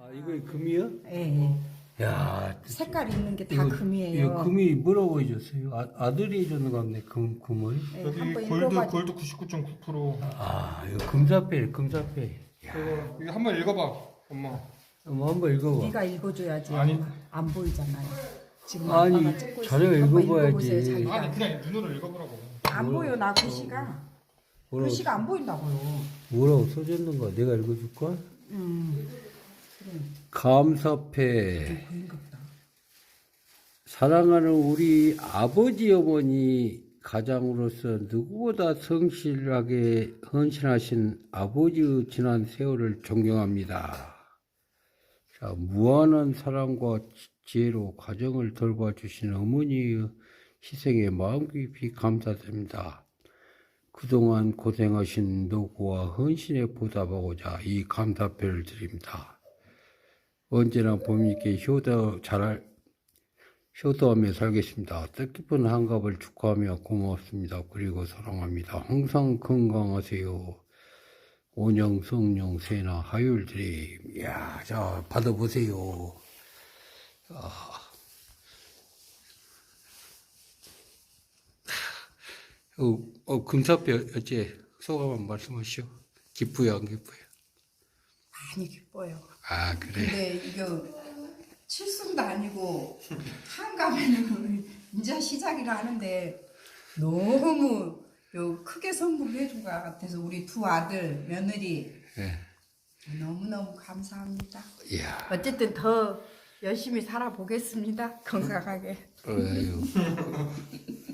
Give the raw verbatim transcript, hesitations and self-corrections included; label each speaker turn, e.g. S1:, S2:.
S1: 아, 이거 금이요?
S2: 예, 예.
S1: 야,
S2: 색깔 있는 게 다
S1: 이거-
S2: 금이에요.
S1: 이거 금이 뭐라고 해줬어요? 아, 아들이 해줬는 것 같네, 금, 금을.
S2: 예,
S3: 여기
S2: 한번
S3: 골드
S2: 읽어봐.
S3: 골드 구십구 점 구 퍼센트.
S1: 아, 이거 금사패, 금사패.
S3: 이거 이거 한번 읽어봐, 엄마.
S1: 한번 한번 읽어봐.
S2: 네가 읽어줘야지.
S3: 아니.
S2: 안 보이잖아요. 지금
S1: 아니,
S2: 아빠가 찍고
S1: 자네가
S2: 있으니까 한번
S1: 읽어봐야지.
S2: 읽어보세요, 자기가.
S3: 아니 그냥 눈으로 읽어보라고.
S2: 안 보여 나 글씨가.
S1: 뭐라고,
S2: 글씨가 안 보인다고요.
S1: 뭐라고 써줬는가? 내가 읽어줄까?
S2: 음. 그래.
S1: 감사패.
S2: 보인가 보다.
S1: 사랑하는 우리 아버지 어머니 가장으로서 누구보다 성실하게 헌신하신 아버지의 지난 세월을 존경합니다. 자, 무한한 사랑과 지혜로 가정을 돌봐주신 어머니의 희생에 마음 깊이 감사드립니다. 그동안 고생하신 노고와 헌신에 보답하고자 이 감사표를 드립니다. 언제나 부모님께 효도 잘 효도하며 살겠습니다. 뜻깊은 한갑을 축하하며 고맙습니다. 그리고 사랑합니다. 항상 건강하세요. 온영, 성령, 세나, 하율드림. 이야, 자, 받아보세요. 아. 어, 어, 금사뼈, 어째, 소감 한 말씀하시오. 기쁘요, 안 기쁘요?
S2: 많이 기뻐요.
S1: 아, 그래.
S2: 근데 이거 칠순도 아니고 한가면은 이제 시작이라 하는데 너무 요 크게 선물해 준 것 같아서 우리 두 아들 며느리
S1: 네.
S2: 너무너무 감사합니다.
S1: 이야.
S2: 어쨌든 더 열심히 살아보겠습니다. 건강하게.
S1: 어휴.